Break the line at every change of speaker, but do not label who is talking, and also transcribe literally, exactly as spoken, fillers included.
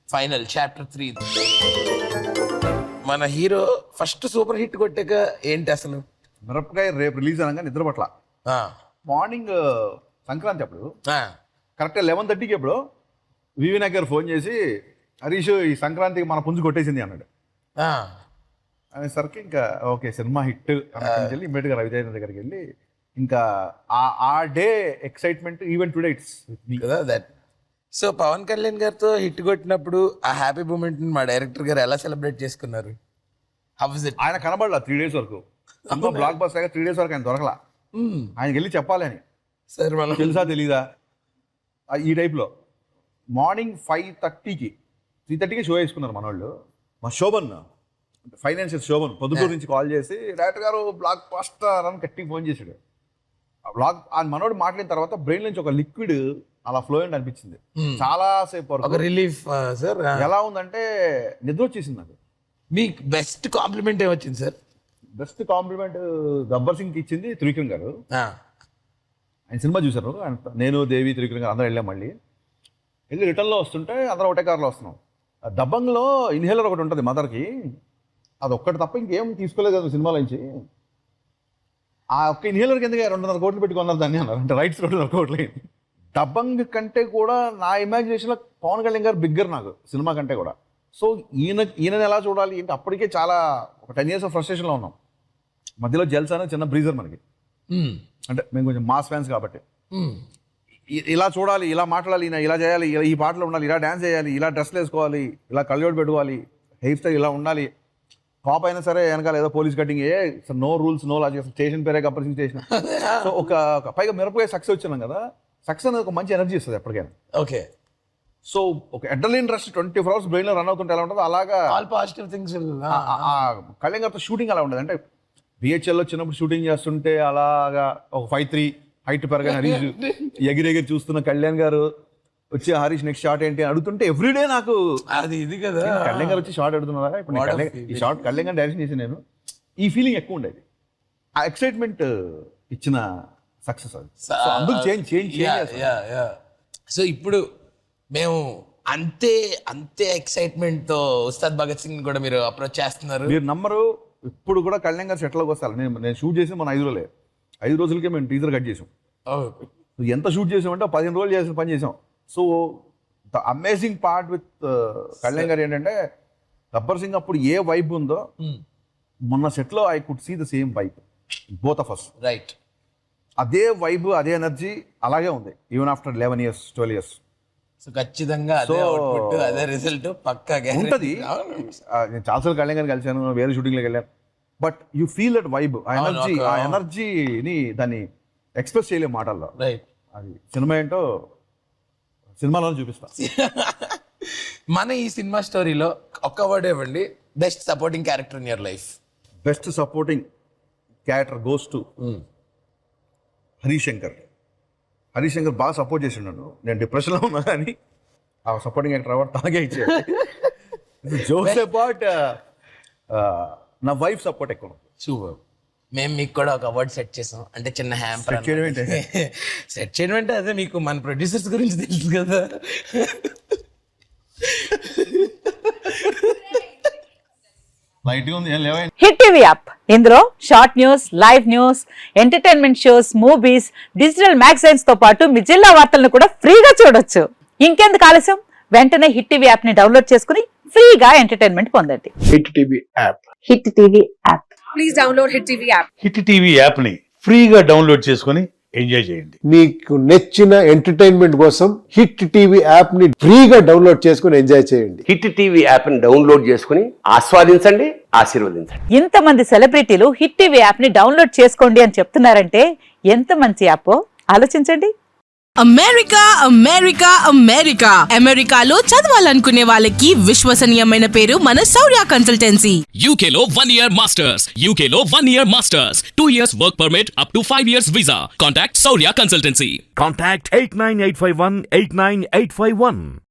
Final chapter three. మన hero first super hit కొట్టాక ఏంటి అసలు?
మిరపకాయ రేపు రిలీజ్ అనగా నిద్ర పట్ల. మార్నింగ్ సంక్రాంతి అప్పుడు కరెక్ట్గా లెవెన్ థర్టీకి ఎప్పుడు వివి నగర్ ఫోన్ చేసి హరీష్ ఈ సంక్రాంతికి మన పుంజు కొట్టేసింది అన్నాడు. అనేసరికి ఇంకా ఓకే సినిమా హిట్ అని వెళ్ళి ఇమ్మీడియట్గా రవితేజ దగ్గరికి వెళ్ళి ఇంకా ఆ day excitement even today it's
కదా దట్. సో పవన్ కళ్యాణ్ గారితో హిట్ కొట్టినప్పుడు ఆ హ్యాపీ మూమెంట్ మా డైరెక్టర్ గారు ఎలా సెలబ్రేట్ చేసుకున్నారు? How was it?
ఆయన కనబడలా త్రీ డేస్ వరకు. బ్లాక్ బస్ త్రీ డేస్ వరకు ఆయన దొరకలా. ఆయనకి వెళ్ళి చెప్పాలి అని సార్ మనం తెలుసా తెలీదా ఈ టైప్లో. మార్నింగ్ ఫైవ్ థర్టీకి త్రీ థర్టీకి షో వేసుకున్నారు మన వాళ్ళు. మా శోభన్ ఫైనాన్షియల్ శోభన్ పొద్దుటూరు నుంచి కాల్ చేసి డైరెక్టర్ గారు బ్లాక్ బస్టర్ అని గట్టిగా ఫోన్ చేశాడు. బ్లాక్ ఆ మనోడు మాట్లాడిన తర్వాత బ్రెయిన్ నుంచి ఒక లిక్విడ్ అలా ఫ్లో అయింది అనిపించింది చాలా సేపు వరకు.
Relief sir.
ఎలా ఉందంటే నిద్ర వచ్చేసింది నాకు.
మీకు బెస్ట్ కాంప్లిమెంట్ ఏమొచ్చింది సార్?
బెస్ట్ కాంప్లిమెంట్ గబ్బర్ సింగ్కి ఇచ్చింది త్రివిక్రమ్ గారు. ఆయన సినిమా చూశారు. నేను దేవి త్రివిక్రమ్ గారు అందరూ వెళ్ళాం. మళ్ళీ వెళ్ళి రిటర్న్లో వస్తుంటే అందరం ఒకటే కార్లో వస్తున్నాం. దబంగ్లో ఇన్హేలర్ ఒకటి ఉంటుంది మదర్కి, అది ఒక్కటి తప్ప ఇంకేం తీసుకోలేదు కదా సినిమాలో నుంచి. ఆ ఒక్క ఇన్హేలర్కి ఎందుకు రెండున్నర కోట్లు పెట్టుకున్నారు దాన్ని అన్నారు. అంటే రైట్స్ రెండున్నర కోట్లు అయింది. దబంగ్ కంటే కూడా నా ఇమాజినేషన్లో పవన్ కళ్యాణ్ గారు బిగ్గర్ నాకు సినిమా కంటే కూడా. సో ఈయన ఈయనని ఎలా చూడాలి ఏంటి అప్పటికే చాలా ఒక టెన్ ఇయర్స్ ఆఫ్ ఫ్రస్ట్రేషన్లో ఉన్నాం. మధ్యలో జెల్స్ అనేది చిన్న బ్రీజర్ మనకి, అంటే మేము కొంచెం మాస్ ఫ్యాన్స్ కాబట్టి. ఇలా చూడాలి, ఇలా మాట్లాడాలి, ఈయన ఇలా చేయాలి, ఈ పాటలు ఉండాలి, ఇలా డ్యాన్స్ చేయాలి, ఇలా డ్రెస్లు వేసుకోవాలి, ఇలా కళ్ళజోడు పెట్టుకోవాలి, హెయిర్ స్టైల్ ఇలా ఉండాలి, పాప్ అయినా సరే వెనకాల ఏదో పోలీస్ కటింగ్, ఏ no rules no logic, station పేరే గబ్బర్ స్టేషన్. సో ఒక పైగా మిరపకాయ సక్సెస్ వచ్చినాం కదా, సక్సెస్ అనేది ఒక మంచి ఎనర్జీ ఇస్తుంది ఎప్పటికైనా.
ఓకే.
సో ఒక adrenaline rush twenty four hours బ్రెయిన్లో రన్ అవుతుంటే ఎలా ఉంటుందో అలాగా
ఆల్ పాజిటివ్ థింగ్స్.
కళ్యాణ్ గారితో షూటింగ్ అలా ఉండదు. అంటే బిహెచ్ఎల్లో చిన్నప్పుడు షూటింగ్ చేస్తుంటే అలాగా ఒక ఫైవ్ త్రీ హైట్ పెరగని హరీష్ ఎగిరెగిరి చూస్తున్న కళ్యాణ్ గారు వచ్చి హరీష్ నెక్స్ట్ షాట్ ఏంటి అని అడుగుతుంటే ఎవ్రీడే నాకు
అది ఇది కదా.
కళ్యాణ్ గారు వచ్చి షాట్ అడుగుతున్నారా ఇప్పుడు ఈ షాట్ కళ్యాణ్ గారు డైరెక్షన్ చేసి నేను ఈ ఫీలింగ్ ఎక్కువ ఉండేది. ఆ ఎక్సైట్మెంట్ ఇచ్చిన సక్సెస్ అది. సో అందుకు చేంజ్ చేంజ్ చేంజ్.
సో ఇప్పుడు మేము అంతే అంతే ఎక్సైట్మెంట్ తో ఉస్తాద్ భగత్ సింగ్ కూడా మీరు అప్రోచ్ చేస్తున్నారు.
మీరు నమ్మరు, ఇప్పుడు కూడా కళ్యాణ్ గారు సెట్లోకి వస్తారు. నేను నేను షూట్ చేసి మన ఐదు రోజులే ఐదు రోజులకే మేము టీజర్ కట్ చేసాం. ఎంత షూట్ చేసామంటే పదిహేను రోజులు చేసిన పని చేసాం. So the amazing part with Kalyan గారు ఏంటంటే గబ్బర్ సింగ్ అప్పుడు ఏ వైబ్ ఉందో మొన్న సెట్లో I could see the same vibe both of us.
Right.
అదే వైబ్ అదే ఎనర్జీ అలాగే ఉంది even after eleven years twelve years.
So ఖచ్చితంగా అదే అవుట్పుట్ అదే రిజల్ట్ పక్కాగా
ఉంటుంది. నేను చాలాసార్లు కళ్యాణ్ గారిని కలిశాను, వేరే షూటింగ్లోకి వెళ్ళాను. But you feel that vibe, ఆ ఎనర్జీ ఆ ఎనర్జీని దాన్ని ఎక్స్ప్రెస్ చేయలేము మాటల్లో.
రైట్.
అది సినిమా ఏంటో సినిమాలో చూపిస్తా.
మన ఈ సినిమా స్టోరీలో ఒక్క వర్డ్ ఇవ్వండి, best supporting character in your life.
Best supporting character goes to Harish Shankar. Harish Shankar బాగా సపోర్ట్ చేసిండు నన్ను. నేను డిప్రెషన్లో ఉన్నా కానీ ఆ సపోర్టింగ్ యాక్టర్ అవార్డు తాగే ఇచ్చాడు. జోక్స్ అబౌట్ నా వైఫ్ సపోర్ట్ ఎక్కువ.
సూపర్. మేము మీకు కూడా ఒక అవార్డు సెట్ చేసాం, అంటే చిన్న హ్యాంపర్.
సెట్ చేయడం ఏంటి?
సెట్ చేయడం అంటే అదే మీకు మన ప్రొడ్యూసర్స్ గురించి తెలుసు కదా.
హిట్ టీవీ యాప్, ఇందులో short news, live news, entertainment shows, movies, digital magazines తో పాటు మీ జిల్లా వార్తలను కూడా ఫ్రీగా చూడొచ్చు. ఇంకెందుకు ఆలస్యం, వెంటనే హిట్ టీవీ యాప్ ని డౌన్లోడ్ చేసుకుని ఫ్రీగా ఎంటర్టైన్మెంట్ పొందండి.
Hit TV app.
Hit TV app.
Please download hit TV app.
Hit TV app ని ఫ్రీగా డౌన్లోడ్ చేసుకుని ఎంజాయ్ చేయండి.
మీకు నచ్చిన ఎంటర్టైన్మెంట్ కోసం హిట్ టీవీ యాప్ ని ఫ్రీగా డౌన్లోడ్ చేసుకుని ఎంజాయ్ చేయండి.
హిట్ టీవీ యాప్ ని డౌన్లోడ్ చేసుకుని ఆస్వాదించండి, ఆశీర్వదించండి.
ఇంతమంది సెలబ్రిటీలు హిట్ టీవీ యాప్ ని డౌన్లోడ్ చేసుకోండి అని చెప్తున్నారంటే ఎంత మంచి యాప్ ఆలోచించండి.
అమెరికా అమెరికా అమెరికా అమెరికాలో చదవాలనుకునే వాళ్ళకి విశ్వసనీయమైన పేరు మన శౌర్య కన్సల్టెన్సీ.
U K లో one year masters, U K లో one year masters, two years work permit up to five years visa. Contact Saurya Consultancy.
Contact eight nine eight five one eight nine eight five one.